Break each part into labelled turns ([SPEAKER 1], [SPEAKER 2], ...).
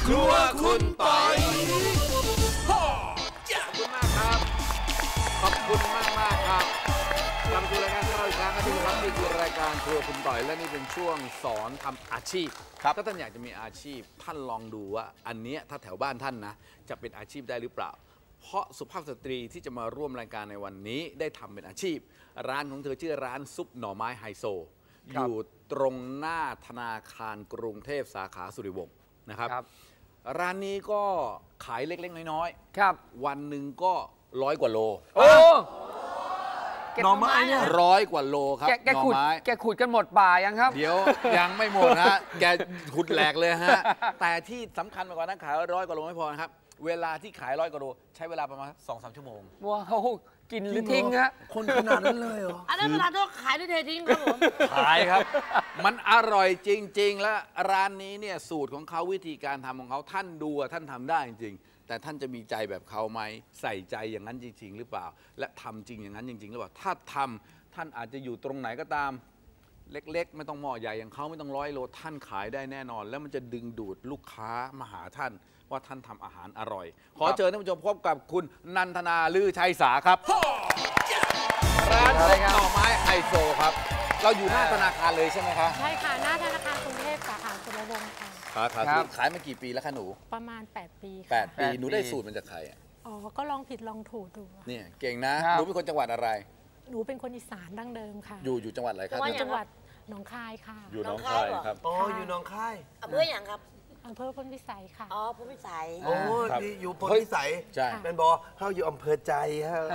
[SPEAKER 1] ครัวคุณปอย
[SPEAKER 2] ขอบคุณมากครับขอบคุณมากครับกลับมาดูรายการของเราอีกครั้งนะที่ครับนี่คือรายการครัวคุณต่อยและนี่เป็นช่วงสอนทำอาชีพครับถ้าท่านอยากจะมีอาชีพท่านลองดูว่าอันนี้ถ้าแถวบ้านท่านนะจะเป็นอาชีพได้หรือเปล่าเพราะสุภาพสตรีที่จะมาร่วมรายการในวันนี้ได้ทำเป็นอาชีพร้านของเธอชื่อร้านซุปหน่อไม้ไฮโซอยู่ตรงหน้าธนาคารกรุงเทพสาขาสุริวงศ์นะครับร้านนี้ก็ขายเล็กๆน้อยๆครับวันหนึ่งก็100 กว่าโลโอ้
[SPEAKER 1] หน่อไม้เนี่ย
[SPEAKER 2] 100 กว่าโลครับหน่อไม้
[SPEAKER 3] แกขุดกันหมดป่ายังครับ
[SPEAKER 2] เดี๋ยวยังไม่หมดฮะแกขุดแหลกเลยฮะแต่ที่สำคัญไปกว่านั้นขาย100 กว่าโลไม่พอนะครับเวลาที่ขาย100 กว่าโลใช้เวลาประมาณ 2-3 ชั่วโมง
[SPEAKER 3] ว้าวกินหรือทิ้งฮะ
[SPEAKER 1] คนขนาดนั้นเลยเหรอ
[SPEAKER 4] อันนั้นเวลาที่ขายด้วยเททิ้งครับผม
[SPEAKER 2] ขายครับมันอร่อยจริงๆและร้านนี้เนี่ยสูตรของเขาวิธีการทำของเขาท่านดูท่านทำได้จริงๆแต่ท่านจะมีใจแบบเขาไหมใส่ใจอย่างนั้นจริงๆหรือเปล่าและทำจริงอย่างนั้นจริงๆหรือเปล่าถ้าทำท่านอาจจะอยู่ตรงไหนก็ตามเล็กๆไม่ต้องหม้อใหญ่อย่างเขาไม่ต้อง100 โลท่านขายได้แน่นอนแล้วมันจะดึงดูดลูกค้ามาหาท่านว่าท่านทำอาหารอร่อยขอเชิญท่านผู้ชมพบกับคุณนันทนาลือชัยสาครับร้านหน่อไม้ไฮโซครับเราอยู่หน้าธนาคารเลยใช่ไหมคะ
[SPEAKER 4] ใช่ค่ะหน้าธนาคารกรุงเทพสาขาสุรวงศ์ค่ะ
[SPEAKER 2] ขายมากี่ปีแล้วคะหนู
[SPEAKER 4] ประมาณ8 ปี
[SPEAKER 2] ค่ะ8 ปีหนูได้สูตรมันจากใคร
[SPEAKER 4] อ๋อก็ลองผิดลองถูกดู
[SPEAKER 2] เนี่ยเก่งนะหนูเป็นคนจังหวัดอะไร
[SPEAKER 4] หนูเป็นคนอีสานดั้งเดิมค่ะ
[SPEAKER 2] อยู่จังหวัดอะไรครับ
[SPEAKER 4] จังหวัดหนองคายค่ะ
[SPEAKER 2] อยู่หนองคายครับ
[SPEAKER 1] อ๋ออยู่หนองคาย
[SPEAKER 4] อำเภออย่างครับอำเภอพลพิสัยค่ะ
[SPEAKER 5] อ๋อพลพิสัย
[SPEAKER 1] โอ้นี่อยู่พลพิสัย
[SPEAKER 2] ใช่
[SPEAKER 1] เป็นบอเขาอยู่อำเภอใจฮะ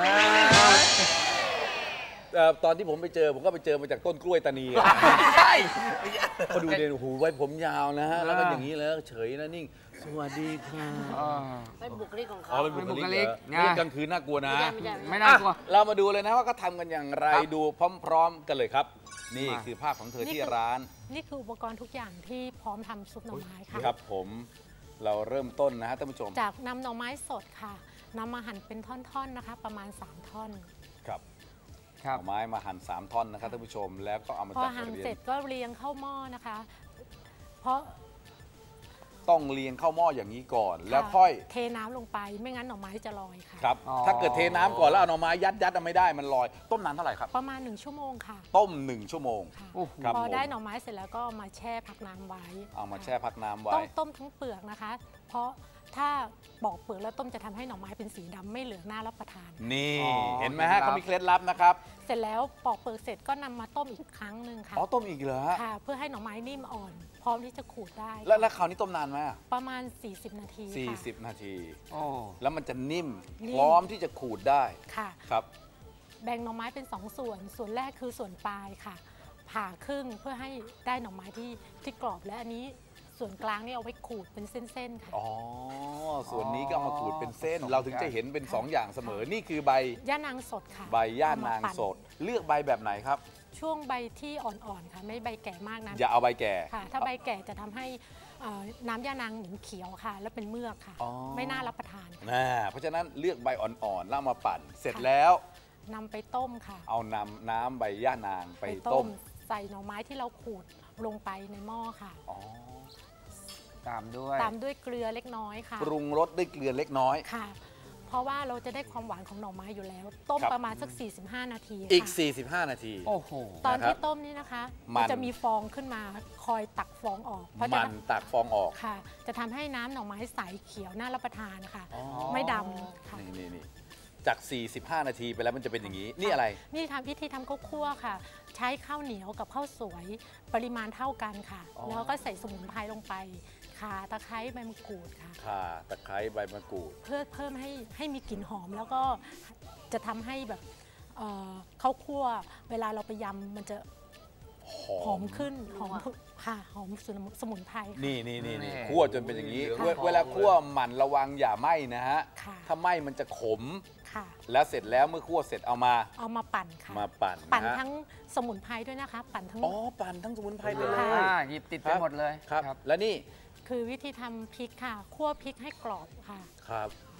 [SPEAKER 2] ตอนที่ผมไปเจอผมก็ไปเจอมาจากต้นกล้วยตานีใช่พอดูเนี่ยหูไว้ผมยาวนะฮะแล้วก็อย่างนี้แล้วเฉยนะนิ่งสวัสดีค่ะ
[SPEAKER 5] เป็นบุคลิกของเขา
[SPEAKER 2] เป็นบุคลิกนี่กลางคืนน่ากลัวนะ
[SPEAKER 3] ไม่น่ากลัว
[SPEAKER 2] เรามาดูเลยนะว่าก็ทำกันอย่างไรดูพร้อมๆกันเลยครับนี่คือภาพของเธอที่ร้าน
[SPEAKER 4] นี่คืออุปกรณ์ทุกอย่างที่พร้อมทำซุปหน่อไม้ค่ะ
[SPEAKER 2] ครับผมเราเริ่มต้นนะฮะท่านผู้ชม
[SPEAKER 4] จากนำหน่อไม้สดค่ะนำมาหั่นเป็นท่อนๆนะคะประมาณ3 ท่อน
[SPEAKER 2] ครับหน่อไม้มาหั่น3 ท่อนนะครับท่านผู้ชมแล้วก็เอามาจัดพอ
[SPEAKER 4] หั่นเสร็จก็เรียงเข้าหม้อนะคะเพราะ
[SPEAKER 2] ต้องเรียงเข้าหม้ออย่างนี้ก่อนแล้วค่อย
[SPEAKER 4] เทน้ำลงไปไม่งั้นหน่อไม้จะลอยค่ะ
[SPEAKER 2] ครับถ้าเกิดเทน้ำก่อนแล้วเอาหน่อไม้ยัดไม่ได้มันลอยต้มนานเท่าไหร่ครับ
[SPEAKER 4] ประมาณ1 ชั่วโมงค่ะ
[SPEAKER 2] ต้ม1 ชั่วโมง
[SPEAKER 4] พอได้หน่อไม้เสร็จแล้วก็มาแช่พักน้ำไว้
[SPEAKER 2] เอามาแช่พักน้ำไว้
[SPEAKER 4] ต้องต้มทั้งเปลือกนะคะเพราะถ้าปอกเปลือกแล้วต้มจะทำให้หน่อไม้เป็นสีดำไม่เหลืองน่ารับประทาน
[SPEAKER 2] นี่เห็นไหมฮะเขามีเคล็ดลับนะครับ
[SPEAKER 4] เสร็จแล้วปอกเปลือกเสร็จก็นำมาต้มอีกครั้งหนึ่งค่ะ
[SPEAKER 2] อ๋อต้มอีกเหรอ
[SPEAKER 4] ค่ะเพื่อให้หน่อไม้นิ่มอ่อนพร้อมที่จะขูดได้
[SPEAKER 2] แล้วคราวนี้ต้มนานไหม
[SPEAKER 4] ประมาณ40 นาที
[SPEAKER 2] 40 นาทีแล้วมันจะนิ่มพร้อมที่จะขูดได้
[SPEAKER 4] ค่ะ
[SPEAKER 2] ครับ
[SPEAKER 4] แบ่งหน่อไม้เป็น2 ส่วนแรกคือส่วนปลายค่ะผ่าครึ่งเพื่อให้ได้หน่อไม้ที่กรอบและอันนี้ส่วนกลางนี่เอาไว้ขูดเป็นเส้นๆค่ะ
[SPEAKER 2] อ๋อส่วนนี้ก็เอามาขูดเป็นเส้นเราถึงจะเห็นเป็น2 อย่างเสมอนี่คือใบ
[SPEAKER 4] ย่านางสดค่ะ
[SPEAKER 2] ใบย่านางสดเลือกใบแบบไหนครับ
[SPEAKER 4] ช่วงใบที่อ่อนๆค่ะไม่ใบแก่มากนะ
[SPEAKER 2] อย่าเอาใบแก่
[SPEAKER 4] ค่ะถ้าใบแก่จะทำให้น้ำย่านางเหม็นเขียวค่ะและเป็นเมือกค่ะไม่น่ารับประทาน
[SPEAKER 2] เพราะฉะนั้นเลือกใบอ่อนๆแล้วมาปั่นเสร็จแล้ว
[SPEAKER 4] นำไปต้มค่ะ
[SPEAKER 2] เอาน้ำใบย่านางไปต้ม
[SPEAKER 4] ใส่หน่อไม้ที่เราขูดลงไปในหม้อค่ะ
[SPEAKER 3] ตาม
[SPEAKER 4] ด้วยเกลือเล็กน้อยค่ะ
[SPEAKER 2] ปรุงรสด้วยเกลือเล็กน้อย
[SPEAKER 4] ค่ะเพราะว่าเราจะได้ความหวานของหน่อไม้อยู่แล้วต้มประมาณสัก45 นาที
[SPEAKER 2] อีก45 นาที
[SPEAKER 3] โอ้โห
[SPEAKER 4] ตอนที่ต้มนี่นะคะมันจะมีฟองขึ้นมาคอยตักฟองออก
[SPEAKER 2] มันตักฟองออก
[SPEAKER 4] ค่ะจะทำให้น้ำหน่อไม้ใสเขียวน่ารับประทานค่ะไม่ดำค่ะ
[SPEAKER 2] นี่จาก45 นาทีไปแล้วมันจะเป็นอย่างนี้นี่อะไร
[SPEAKER 4] นี่ทำวิธีทำข้าวคั่วค่ะใช้ข้าวเหนียวกับข้าวสวยปริมาณเท่ากันค่ะแล้วก็ใส่สมุนไพรลงไปข่าตะไคร้ใบมะกรูดค่ะ
[SPEAKER 2] ข่าตะไคร้ใบมะกรูด
[SPEAKER 4] เพื่อเพิ่มให้มีกลิ่นหอมแล้วก็จะทำให้แบบข้าวคั่วเวลาเราไปยำมันจะหอมขึ้นหอมค่ะหอมสมุนไพร
[SPEAKER 2] นี่คั่วจนเป็นอย่างนี้เวลาคั่วหมั่นระวังอย่าไหม้นะฮะถ้าไหม้มันจะขมแล้วเสร็จแล้วเมื่อคั่วเสร็จเอามา
[SPEAKER 4] ปั่นค่ะ
[SPEAKER 2] มาปั่น
[SPEAKER 4] ทั้งสมุนไพรด้วยนะคะปั่นทั้ง
[SPEAKER 2] ปั่นทั้งสมุนไพรเลย
[SPEAKER 3] หยิบติดไปหมดเลย
[SPEAKER 2] ครับแล้วนี่
[SPEAKER 4] คือวิธีทำพริกค่ะคั่วพริกให้กรอบค่ะ
[SPEAKER 2] ครับ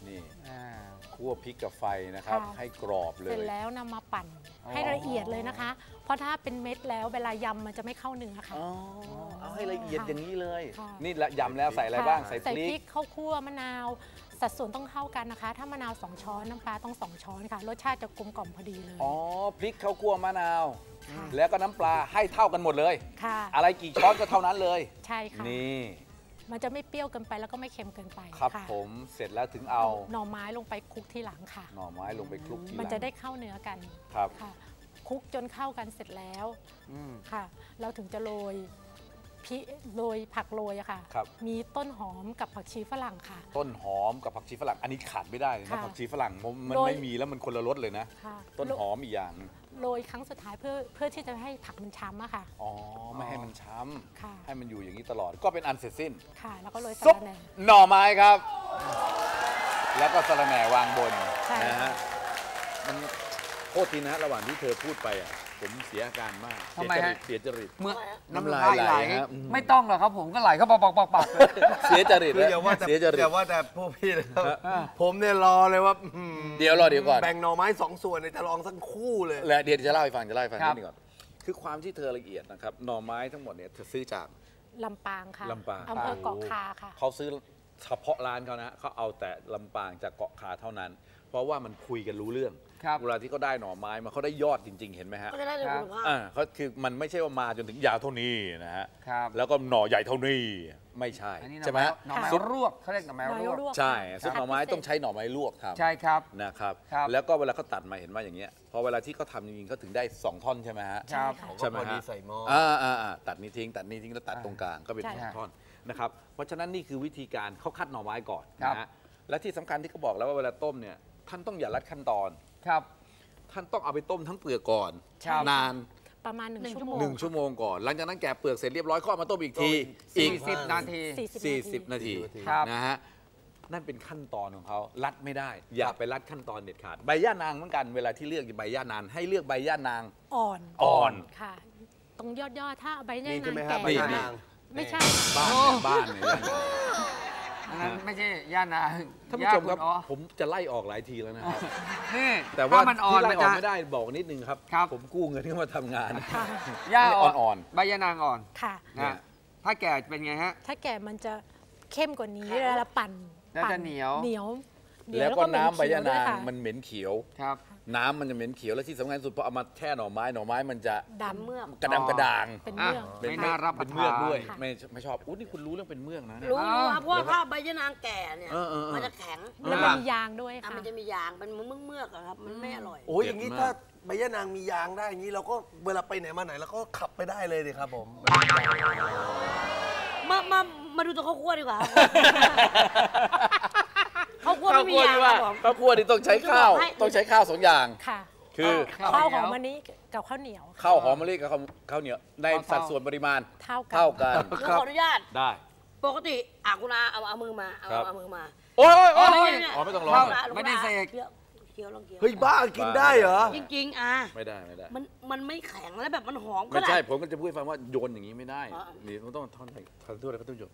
[SPEAKER 2] นี่
[SPEAKER 3] อ่า
[SPEAKER 2] คั่วพริกกับไฟนะครับ
[SPEAKER 4] ค่ะ
[SPEAKER 2] ให้กรอบเล
[SPEAKER 4] เสร็จ
[SPEAKER 2] ย
[SPEAKER 4] แล้วนำมาปั่น
[SPEAKER 3] อ๋อ
[SPEAKER 4] ให้ละเอียดเลยนะคะ เพราะถ้าเป็นเม็ดแล้วเวลายำมันจะไม่เข้าเนื้อค่ะ
[SPEAKER 2] อ๋อ เอาให้ละเอียดอย่างนี้เลย
[SPEAKER 4] ค่ะ
[SPEAKER 2] นี่ละยำแล้วใส่อะไรบ้าง ใส่พ
[SPEAKER 4] ใส่
[SPEAKER 2] ริ
[SPEAKER 4] พริ
[SPEAKER 2] ก
[SPEAKER 4] กข้าวคั่วมะนาว สัดส่วนต้องเท่ากันนะคะ ถ้ามะนาว2 ช้อนน้ำปลาต้อง2 ช้อนค่ะ รสชาติจะกลมกล่อมพอดีเลย
[SPEAKER 2] อ๋อ พริกข้าวคั่วมะนาว
[SPEAKER 4] ค่ะ
[SPEAKER 2] แล้วก็น้ำปลาให้เท่ากันหมดเลย
[SPEAKER 4] ค่ะ
[SPEAKER 2] อะไรกี่ช้อนก็เท่านั้นเลย
[SPEAKER 4] ใช่ค่ะ
[SPEAKER 2] นี่
[SPEAKER 4] มันจะไม่เปรี้ยวเกินไปแล้วก็ไม่เค็มเกินไป
[SPEAKER 2] ครับ
[SPEAKER 4] ะ
[SPEAKER 2] ผมเสร็จแล้วถึงเอา
[SPEAKER 4] หน่อไม้ลงไปคลุกที่หลังค่ะ
[SPEAKER 2] หน่อไม้ลงไปคลุกทีหลัง
[SPEAKER 4] มันจะได้เข้าเนื้อกัน
[SPEAKER 2] ครับ
[SPEAKER 4] ค่ะคลุกจนเข้ากันเสร็จแล้ว
[SPEAKER 3] อืม
[SPEAKER 4] ค่ะ เราถึงจะโรยผักโรยอะค่ะ
[SPEAKER 2] ครับ
[SPEAKER 4] มีต้นหอมกับผักชีฝรั่งค่ะ
[SPEAKER 2] ต้นหอมกับผักชีฝรั่ง อันนี้ขาดไม่ได้เลยนะ
[SPEAKER 4] ค่ะ
[SPEAKER 2] ผักชีฝรั่งมัน
[SPEAKER 4] โดย
[SPEAKER 2] ไม่มีแล้วมันคนละรสเลยนะ
[SPEAKER 4] ค่ะ
[SPEAKER 2] ต้นหอมอีกอย่างหนึ่ง
[SPEAKER 4] โรยครั้งสุดท้ายเพื่อที่จะให้ผักมันช้ำอะค่ะ
[SPEAKER 2] อ๋อ ไม่ให้มันช้
[SPEAKER 4] ค่ะ
[SPEAKER 2] ำให้มันอยู่อย่างนี้ตลอด ก็เป็นอันเสร็จสิ้น
[SPEAKER 4] ค่ะ แล้วก็โรยสะ
[SPEAKER 2] ซุป
[SPEAKER 4] ระแหน่
[SPEAKER 2] หน่อไม้ครับ แล้วก็สะระแหน่วางบน
[SPEAKER 4] ใช่
[SPEAKER 2] นะฮะ มันโทษทีนะฮะระหว่างที่เธอพูดไปอ่ะ ผมเสียอาการมาก
[SPEAKER 3] ทำไมฮะ
[SPEAKER 2] เสียจริต
[SPEAKER 3] เมื่อ
[SPEAKER 2] น้ำลายไหลครับ
[SPEAKER 3] ไม่ต้องหรอกครับผมก็ไหลเข้าปักๆๆเลย
[SPEAKER 2] เสียจริต
[SPEAKER 1] คืออย่าว่าแต่
[SPEAKER 2] เสียจริต
[SPEAKER 1] อย่าว่าแต่พวกพี่นะครับ
[SPEAKER 3] อ่า
[SPEAKER 1] ผมเนี่ยรอเลยว่า
[SPEAKER 2] เดี๋ยวก่อน
[SPEAKER 1] แบ่งหน่อไม้2 ส่วนเนี่ยจะลองสักคู่เลย
[SPEAKER 2] และเดี๋ยวจะเล่าให้ฟังนิดนึงก่อน คือความที่เธอละเอียดนะครับ หน่อไม้ทั้งหมดเนี่ยเธอซื้อจาก
[SPEAKER 4] ลำปางค่ะ
[SPEAKER 2] ลำปาง
[SPEAKER 4] อำเภอเกาะคาค่ะ
[SPEAKER 2] เขาซื้อเฉพาะร้านเขานะเขาเอาแต่ลำปางจากเกาะคาเท่านั้น เพราะว่ามันคุยกันรู้เรื่อง
[SPEAKER 3] ครับ
[SPEAKER 2] เวลาที่เขาได้หน่อไม้มาเขาได้ยอดจริง ๆ เห็นไหมฮะ
[SPEAKER 5] ก็จะได้ในคุณภาพ
[SPEAKER 2] เขาคือมันไม่ใช่ว่ามาจนถึงยาวเท่านี้นะฮะ
[SPEAKER 3] ครับ
[SPEAKER 2] แล้วก็หน่อใหญ่เท่านี้ไม่ใช่
[SPEAKER 3] อันนี้
[SPEAKER 2] ใช่ไหมฮะ
[SPEAKER 3] หน่อไม้
[SPEAKER 2] ซุป
[SPEAKER 3] รวกเขาเรียกหน่อไม้
[SPEAKER 4] หน่อไม้
[SPEAKER 3] รวก
[SPEAKER 4] รวก
[SPEAKER 2] ใช่
[SPEAKER 4] ค่ะ
[SPEAKER 2] ซุปหน่อไม้ต้องใช้หน่อไม้ลวกทำ
[SPEAKER 3] ใช่ครับ
[SPEAKER 2] นะครับ
[SPEAKER 3] ครับ
[SPEAKER 2] แล้วก็เวลาเขาตัดมาเห็นว่าอย่างเงี้ยพอเวลาที่เขาทำจริงๆเขาถึงได้2 ท่อนใช่ไหมฮะ
[SPEAKER 3] ครับ
[SPEAKER 2] ใช่ไหม
[SPEAKER 1] พอดี
[SPEAKER 2] ฮะ
[SPEAKER 1] ใส่หม้อ
[SPEAKER 2] ตัดนี้ทิ้งแล้วตัดตรงกลางก็เป็น
[SPEAKER 4] ใช่
[SPEAKER 2] 2 ท่อนนะครับเพราะฉะนั้นนี่คือวิธีการเขาคัดหน่อไม้ก่อน
[SPEAKER 3] ครับ
[SPEAKER 2] นะฮะและที่สำคัญที่เขาบอกแล้วว่าเวลาต้มเนี่ยท่านต้องอย่าลัดขั้นตอน
[SPEAKER 3] ครับ
[SPEAKER 2] ท่านต้องเอาไปต้มทั้งเปลือกก่อน
[SPEAKER 3] ครับ
[SPEAKER 2] นาน
[SPEAKER 4] ประมาณ1 ชั่วโมง
[SPEAKER 2] 1 ชั่วโมงก่อน หลังจากนั้นแกะเปลือกเสร็จเรียบร้อยก็เอามาต้มอีกที
[SPEAKER 3] อี
[SPEAKER 2] อี
[SPEAKER 3] ก
[SPEAKER 2] ก
[SPEAKER 3] 10 นาที
[SPEAKER 2] 40 นาที
[SPEAKER 3] ครับ
[SPEAKER 2] นะฮะนั่นเป็นขั้นตอนของเขาลัดไม่ได้ อย่าไปลัดขั้นตอนเด็ดขาดใบย่านางเหมือนกันเวลาที่เลือกใบย่านางให้เลือกใบย่านาง
[SPEAKER 4] อ่อน
[SPEAKER 2] อ่อน
[SPEAKER 4] ค่ะ ตรงยอดถ้าเอาใบย่า
[SPEAKER 1] นี่ใช่ไหม
[SPEAKER 4] นาง
[SPEAKER 1] ครับ
[SPEAKER 4] แก่
[SPEAKER 1] ใบย่านาง
[SPEAKER 4] ไม่ใช่
[SPEAKER 2] บ้านเนี่ยย่านาง
[SPEAKER 3] อันนั้นไม่ใช่ย่านาง
[SPEAKER 2] ท่านผู้ชมครับ
[SPEAKER 3] อ๋อ
[SPEAKER 2] ผมจะไล่ออกหลายทีแล้วนะครับ
[SPEAKER 3] นี่
[SPEAKER 2] แต่ว่า
[SPEAKER 3] ถ้มันอ่อน
[SPEAKER 2] ที่ไล่
[SPEAKER 3] มัน
[SPEAKER 2] ออก
[SPEAKER 3] จะ
[SPEAKER 2] ไม่ได้บอกนิดนึงครับ
[SPEAKER 3] ครับ
[SPEAKER 2] ผมกู้เงินเข้ามาทำงาน
[SPEAKER 4] ค่ะ
[SPEAKER 3] ย่า
[SPEAKER 2] อ่อน
[SPEAKER 3] ใบยานางอ่อน
[SPEAKER 4] ค่ะ
[SPEAKER 2] เนี่ย
[SPEAKER 3] นะถ้าแก่เป็นไงฮะ
[SPEAKER 4] ถ้าแก่มันจะเข้มกว่านี้เวลาเราปั่น
[SPEAKER 3] แล้วจะเหนียว
[SPEAKER 4] เหนียว
[SPEAKER 2] แล้วก็น้ำใบย่านาง
[SPEAKER 4] เห
[SPEAKER 2] มันเหม็นเขียว
[SPEAKER 3] ครับ
[SPEAKER 2] น้ำมันจะเหม็นเขียวและที่สำคัญสุดพอเอามาแช่หน่อไม้มันจะ
[SPEAKER 4] ดำ
[SPEAKER 5] เมือก
[SPEAKER 2] กระดำกระด่าง
[SPEAKER 4] เป็น
[SPEAKER 3] อ่ะ
[SPEAKER 4] เมือก
[SPEAKER 3] ไม่น่ารับประ
[SPEAKER 2] เป็นเมือก
[SPEAKER 3] ทาน
[SPEAKER 2] ด้วย
[SPEAKER 4] ค่ะ
[SPEAKER 2] ไม่ชอบอู้นี่คุณรู้เรื่องเป็นเมือกนะเนี่ย
[SPEAKER 5] รู้
[SPEAKER 3] อ้าว
[SPEAKER 5] ครับเพราะว่าถ้าใบยะนางแก่เนี่ย
[SPEAKER 2] เออ
[SPEAKER 5] มันจะแข็ง
[SPEAKER 4] แล้วมันมียางด้วย
[SPEAKER 5] อ่ะ
[SPEAKER 4] ค่ะ
[SPEAKER 5] มันจะมียางเป็นเมือกๆอะครับ มันไม่อร่อย
[SPEAKER 1] โอ้ยอย่างนี้ถ้าใบย่านางมียางได้อย่างนี้เราก็เวลาไปไหนมาไหนเราก็ขับไปได้เลยดิครับผม
[SPEAKER 5] มาดูตัวข้าวคั่วดีกว่าครับข้าวคั่วไม่มียางครับผม
[SPEAKER 2] ข้าวคั่วนี่ต้องใช้ข้าว
[SPEAKER 5] ให้
[SPEAKER 2] ต้องใช้ข้าว2 อย่าง
[SPEAKER 4] ค่ะ
[SPEAKER 2] คือ
[SPEAKER 4] ข้าวหอมมะลิกับข้าวเหนียว
[SPEAKER 2] ข้าวหอมมะลิกับข้าวเหนียวในสัดส่วนปริมาณ
[SPEAKER 4] เท่ากัน
[SPEAKER 2] เท่ากัน
[SPEAKER 5] แล้วขออนุญาต
[SPEAKER 2] ได้
[SPEAKER 5] ปกติคุณอาเอามือมาเอามือมา
[SPEAKER 2] โอ้ย
[SPEAKER 3] โอ้ย
[SPEAKER 2] อ๋อไม่ต้องร้อง
[SPEAKER 3] เข้า
[SPEAKER 2] เหรอ
[SPEAKER 3] ไม่ได้เสก
[SPEAKER 5] เคี้ยวลองเคี้ยว
[SPEAKER 1] เฮ้ยบ้ากินได้เหรอ
[SPEAKER 5] จริงๆ
[SPEAKER 2] ไม่ได้
[SPEAKER 5] มันไม่แข็งแล้วแบบมันหอมก็
[SPEAKER 2] ไม่
[SPEAKER 5] ได้
[SPEAKER 2] ใช่ผมก็จะพูดให้ฟังว่าโยนอย่างนี้ไม่ได้
[SPEAKER 5] อ๋อ
[SPEAKER 2] นี่มันต้องท่อนทั่วแล้วก็ต้องโยน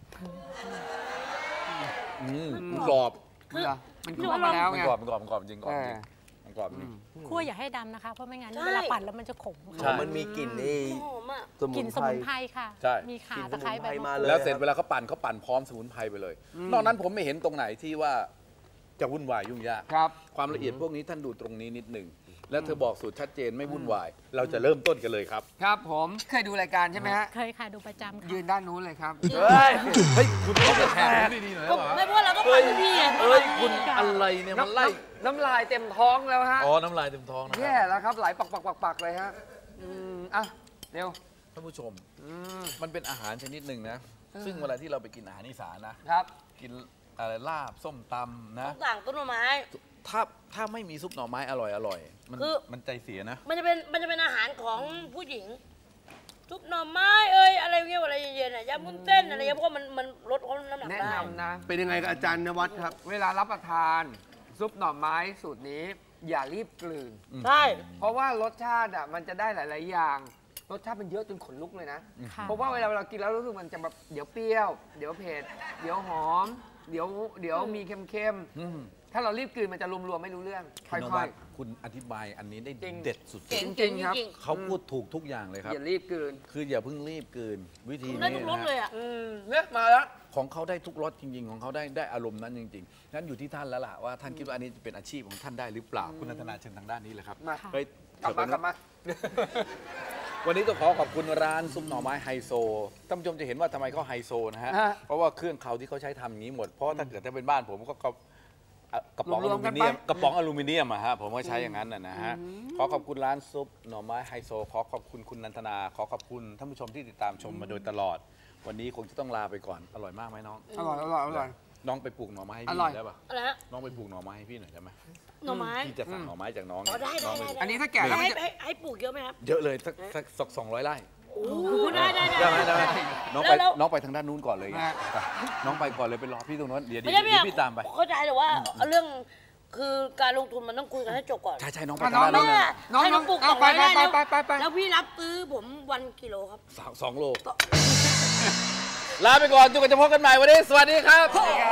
[SPEAKER 2] กรอบ
[SPEAKER 3] เหรอมันคั่วมาแล้ว
[SPEAKER 2] มัน
[SPEAKER 3] ไง
[SPEAKER 2] กรอบจริงกรอบจริงมันกรอบจริง
[SPEAKER 4] คั่วอย่าให้ดำนะคะ เพราะไม่งั้น
[SPEAKER 5] ใช่
[SPEAKER 4] เวลาปั่นแล้วมันจะขม
[SPEAKER 2] ใช่
[SPEAKER 4] ค่ะ
[SPEAKER 1] มันมีกลิ่นไอ้
[SPEAKER 5] หอมอ่ะ
[SPEAKER 4] กลิ่นสมุนไพรค่ะ
[SPEAKER 2] ใช่
[SPEAKER 4] มีข่าก
[SPEAKER 1] ลิ่น
[SPEAKER 4] ตะไคร้
[SPEAKER 1] สมุน
[SPEAKER 4] ใบ
[SPEAKER 1] ไพร
[SPEAKER 4] มะ
[SPEAKER 1] มาก
[SPEAKER 4] รูด
[SPEAKER 2] แล้วเสร็จเวลาเขาปั่นพร้อมสมุนไพรไปเลย นอกนั้นผมไม่เห็นตรงไหนที่ว่าจะวุ่นวายยุ่งยาก
[SPEAKER 3] ครับ
[SPEAKER 2] ความละเอียดพวกนี้ท่านดูตรงนี้นิดหนึ่งแล้วเธอบอกสูตรชัดเจนไม่วุ่นวาย เราจะเริ่มต้นกันเลยครับ
[SPEAKER 3] ครับผมเคยดูรายการใช่ไหมฮะ
[SPEAKER 4] เคยค่ะดูประจำค่ะ
[SPEAKER 3] ยืนด้านนู้นเลยครับ
[SPEAKER 2] เฮ้ยคุณต้องจะแทนดีๆหน่อย
[SPEAKER 5] ก็ไม่เพราะเราก็ปั่นทุกทีไง
[SPEAKER 2] เฮ้ยคุณอะไรเนี่ยมันไล่
[SPEAKER 3] น้ำลายเต็มท้องแล้วฮะ
[SPEAKER 2] อ๋อน้ำลายเต็มท้องนะค
[SPEAKER 3] แย่
[SPEAKER 2] รับ
[SPEAKER 3] แล้วครับไหลปักเลยฮะอ่ะเร็ว
[SPEAKER 2] ท่านผู้ชมมันเป็นอาหารชนิดหนึ่งนะซึ่งเวลาที่เราไปกินอาหารอีสานนะ
[SPEAKER 3] ครับ
[SPEAKER 2] กินอะไรลาบส้มตำนะ
[SPEAKER 5] ต่างต้นไม้
[SPEAKER 2] ถ้าไม่มีซุปหน่อไม้อร่อยมัน
[SPEAKER 5] คือ
[SPEAKER 2] มันใจเสียนะ
[SPEAKER 5] มันจะเป็นอาหารของผู้หญิงซุปหน่อไม้อะไรเงี้ยอะไรเย็นๆอ่ะยำวุ้นเส้นอะไรเงี้ยเพราะว่ามันลดความน้ำหนัก
[SPEAKER 3] แนะ
[SPEAKER 5] ได้
[SPEAKER 3] นำนะ
[SPEAKER 1] เป็นยังไงกับอาจารย์นวัดครับ
[SPEAKER 3] เวลารับประทานซุปหน่อไม้สูตรนี้ อย่ารีบกลืน
[SPEAKER 5] ใช่
[SPEAKER 3] เพราะว่ารสชาติอ่ะมันจะได้หลาย ๆ อย่าง รสชาติมันเยอะจนขนลุกเลยนะ
[SPEAKER 4] ค่ะ
[SPEAKER 3] เพราะว่าเวลาเรากินแล้วรู้สึกมันจะแบบเดี๋ยวเปรี้ยว เดี๋ยวเผ็ด เดี๋ยวหอมเดี๋ยวมีเค็มๆถ้าเรารีบกลืนมันจะรวมๆไม่รู้เรื่องค่
[SPEAKER 2] คุณน
[SPEAKER 3] อ
[SPEAKER 2] วั
[SPEAKER 3] ย
[SPEAKER 2] ดคุณอธิบายอันนี้ได้
[SPEAKER 3] จริง
[SPEAKER 2] เด็ดสุด
[SPEAKER 5] เก่ง
[SPEAKER 3] จริงครับ
[SPEAKER 2] เขาพูดถูกทุกอย่างเลยครับ
[SPEAKER 3] อย่ารีบกลืน
[SPEAKER 2] คืออย่าเพิ่งรีบกลืนวิธี
[SPEAKER 5] ได้
[SPEAKER 2] นี้
[SPEAKER 5] ทุกรส
[SPEAKER 2] นะ
[SPEAKER 5] เลย
[SPEAKER 2] ฮะ
[SPEAKER 5] อ่ะ
[SPEAKER 3] เนี่ยมาแล้ว
[SPEAKER 2] ของเขาได้ทุกรสจริง ๆ ของเขาได้อารมณ์นั้นจริงๆนั้นอยู่ที่ท่านแล้วล่ะว่าท่านคิดว่าอันนี้จะเป็นอาชีพของท่านได้หรือเปล่าคุณนันทนาเชิญทางด้านนี้เลยครับ
[SPEAKER 3] มา
[SPEAKER 2] เฮ้ย
[SPEAKER 3] กลับมา
[SPEAKER 2] วันนี้ต้องขอบคุณร้านซุปหน่อไม้ไฮโซท่านผู้ชมจะเห็นว่าทำไมเขาไฮโซนะฮะ
[SPEAKER 3] ฮะ
[SPEAKER 2] เพราะว่าเครื่องเขาที่เขาใช้ทำอย่างนี้หมดเพราะถ้าเกิดถ้าเป็นบ้านผมก็กระป๋องอ
[SPEAKER 3] รว
[SPEAKER 2] ลู
[SPEAKER 3] มๆกั
[SPEAKER 2] มิ
[SPEAKER 3] น
[SPEAKER 2] เนียม
[SPEAKER 3] ไป
[SPEAKER 2] กระป๋องอลูมิเนียมอะฮะผมก็ใช้อย่างนั้นนะฮะขอขอบคุณร้านซุปหน่อไม้ไฮโซขอขอบคุณคุณนันทนาขอขอบคุณท่านผู้ชมที่ติดตามชมมาโดยตลอด วันนี้คงจะต้องลาไปก่อนอร่อยมากไหมน้อง
[SPEAKER 3] อร่อย
[SPEAKER 2] น้องไปปลูกหน่อไม้ให้
[SPEAKER 3] อ
[SPEAKER 2] พี่
[SPEAKER 3] ร่อย
[SPEAKER 2] ได้ปะ
[SPEAKER 5] อะไรฮะ
[SPEAKER 2] น้องไปปลูกหน่อไม้ให้พี่หน่อยได้ไหม
[SPEAKER 5] หน่อไม้
[SPEAKER 2] พี่จะสั่งหน่อไม้จากน้อง
[SPEAKER 5] อ๋อได้
[SPEAKER 2] น้องป
[SPEAKER 3] อันนี้ถ้าแก่แล้วมันจะ
[SPEAKER 5] ให้ปลูกเยอะไหมครับ
[SPEAKER 2] เยอะเลยสัก200 ไร่
[SPEAKER 5] โอ้โหได้ได้
[SPEAKER 2] ได้ไหมได้ไหมน้องไป
[SPEAKER 5] แล้ว
[SPEAKER 2] น้องไปทางด้านนู้นก่อนเลยไง
[SPEAKER 3] ได้
[SPEAKER 2] ไปน้องไปก่อนเลยไปรอพี่ตรงนั้นเดี๋ยว
[SPEAKER 5] ไม่ใช่
[SPEAKER 2] เดี๋ยวพี่ตามไป
[SPEAKER 5] เข้าใจแต่ว่าเรื่องคือการลงทุนมันต้องคุยกันให้จบก่อน
[SPEAKER 2] ใช่น้องไป
[SPEAKER 3] อ่ะ
[SPEAKER 2] ทางด้าน
[SPEAKER 3] น้
[SPEAKER 2] นู้
[SPEAKER 3] อง
[SPEAKER 2] นเลย
[SPEAKER 3] น้อง
[SPEAKER 5] ให้น้องปลูก
[SPEAKER 3] เอา
[SPEAKER 5] 200 ไร่แล้ว
[SPEAKER 3] ไป
[SPEAKER 5] แล้วพี่รับซื้อผมวันกิโลครับ
[SPEAKER 2] 2 โลลาไปก่อนจนกว่าจะพบกันใหม่วันนี้สวัสดีครับ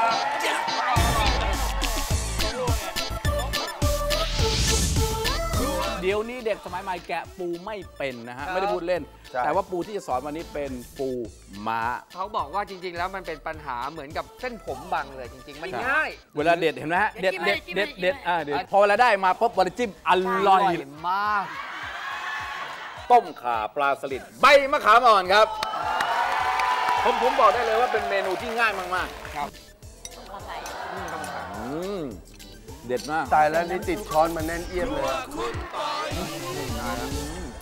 [SPEAKER 2] เดี๋ยวนี้เด็กสมัยใหม่แกะปูไม่เป็นนะฮะไม่ได้พูดเล่น
[SPEAKER 1] ใช่
[SPEAKER 2] แต่ว่าปูที่จะสอนวันนี้เป็นปูม้า
[SPEAKER 3] เขาบอกว่าจริง ๆ แล้วมันเป็นปัญหาเหมือนกับเส้นผมบังเลยจริง ๆ มันง่าย
[SPEAKER 2] เวลาเด็ดเห็นไหมฮะ
[SPEAKER 5] เดี๋
[SPEAKER 2] เด็
[SPEAKER 5] ย
[SPEAKER 2] ด
[SPEAKER 5] วจิ้ม
[SPEAKER 2] เด็ด
[SPEAKER 5] ให้
[SPEAKER 2] เด็ด
[SPEAKER 5] จิ้มให้
[SPEAKER 2] เด็ดเดี๋ยวพอเวลาได้มาปุ๊บวันจิ้มอร่อย
[SPEAKER 3] มาก
[SPEAKER 2] ต้มข่าปลาสลิดใบมะขามอ่อนครับ ผมบอกได้เลยว่าเป็นเมนูที่ง่ายมากๆ
[SPEAKER 3] ครับ
[SPEAKER 2] เด็ดมาก
[SPEAKER 1] ตายแล้วนี่ติดช้อนมาแน่นเอียดเลย